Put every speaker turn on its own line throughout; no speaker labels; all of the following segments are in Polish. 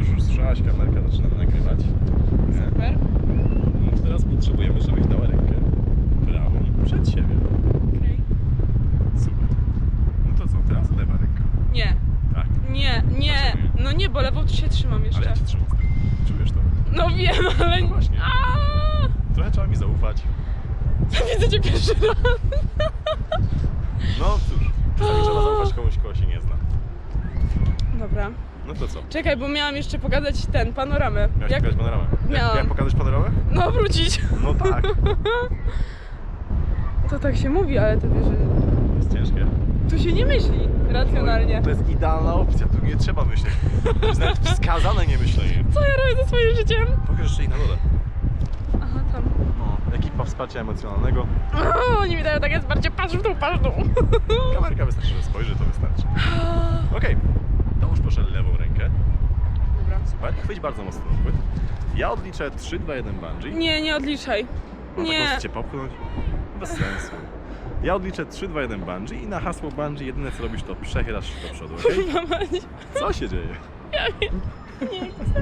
już słyszałaś, kamerka zaczyna nagrywać.
Super.
No, teraz potrzebujemy, żebyś dała rękę prawą przed siebie.
Okej.
Super. No to co, teraz lewa ręka.
Nie.
Tak.
Nie, nie.
Dlaczego nie?
No nie, bo lewą się trzymam jeszcze.
Ale ja cię trzymam z tyłu. Czujesz to?
No wiem, ale...
No właśnie.
Aaaa!
Trochę trzeba mi zaufać.
Widzę cię pierwszy raz.
No cóż, czasami trzeba zaufać komuś, kogo się nie zna.
Dobra.
No to co?
Czekaj, bo miałam jeszcze pokazać panoramę.
Miałeś pokazać panoramę?
Miałam.
Jak pokazać panoramę?
No, wrócić.
No tak.
To tak się mówi, ale to wiesz, że...
To jest ciężkie.
Tu się nie myśli racjonalnie.
To jest idealna opcja, tu nie trzeba myśleć. To jest nawet wskazane nie myślenie.
Co ja robię ze swoim życiem?
Pokaż jeszcze i na dole.
Aha, tam.
No, ekipa wsparcia emocjonalnego.
O, oni mi dają takie wsparcie, patrz w dół, patrz w dół.
Kamerka wystarczy, że spojrzy, to wystarczy. Okej, dołóż proszę lewą rękę.
Dobra.
Super, chwyć bardzo mocno ten chwyt. Ja odliczę 3, 2, 1 bungee.
Nie, nie odliczaj.
No,
Nie.
tak możesz cię popchnąć? Bez sensu. Ja odliczę 3, 2, 1 bungee i na hasło bungee jedyne co robisz to przechylasz się do przodu, okej?
Kurwa mać.
Co się dzieje?
Ja wiem. Nie chcę.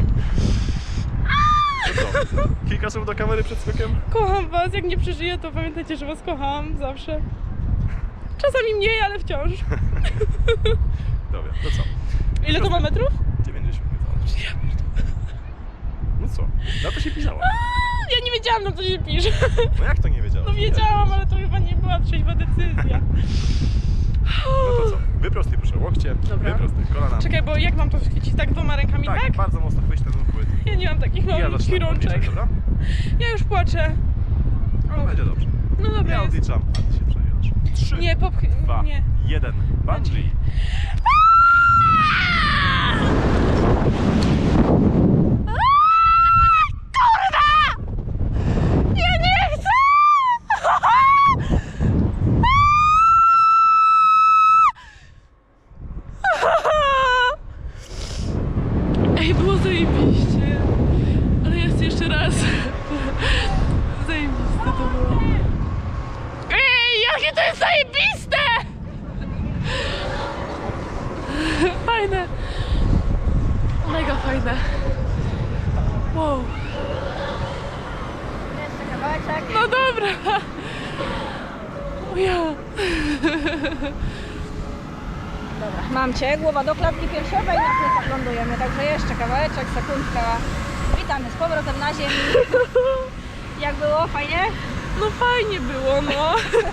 To co? Kilka słów do kamery przed skokiem?
Kocham was, jak nie przeżyję, to pamiętajcie, że was kocham zawsze. Czasami mniej, ale wciąż.
Dobra, to co?
Ile to ma metrów?
90 metrów. No co? Na to się pisało.
Ja nie wiedziałam, na co się pisze.
No jak to nie wiedziałeś?
No wiedziałam, ale to chyba nie była trzeźwa decyzja.
No to co? Wyprostuj proszę łokcie,
Dobra.
wyprostuj kolana.
Czekaj, bo jak mam to chwycić? Tak dwoma rękami, tak?
bardzo mocno chwyć ten chwyt.
Ja nie mam takich
I ja
małych
zaczynam
rączek.
odliczać, dobra?
Ja już płaczę.
No będzie dobrze.
No dobra
Ja
jest.
odliczam, a ty się przejedziesz. 3,
Nie,
2,
nie.
1, bungee.
Ja nie chcę! Ej, było zajebiście. Ale ja chcę jeszcze raz. Zajebiste to było. Ej, jakie to jest zajebiste! Fajne. Mega fajne. Wow.
Jeszcze kawałeczek.
No dobra. O ja.
Dobra, mam cię. Głowa do klatki piersiowej, na plecach lądujemy. Także jeszcze kawałeczek, sekundka. Witamy z powrotem na ziemi. Jak było? Fajnie?
No fajnie było, no.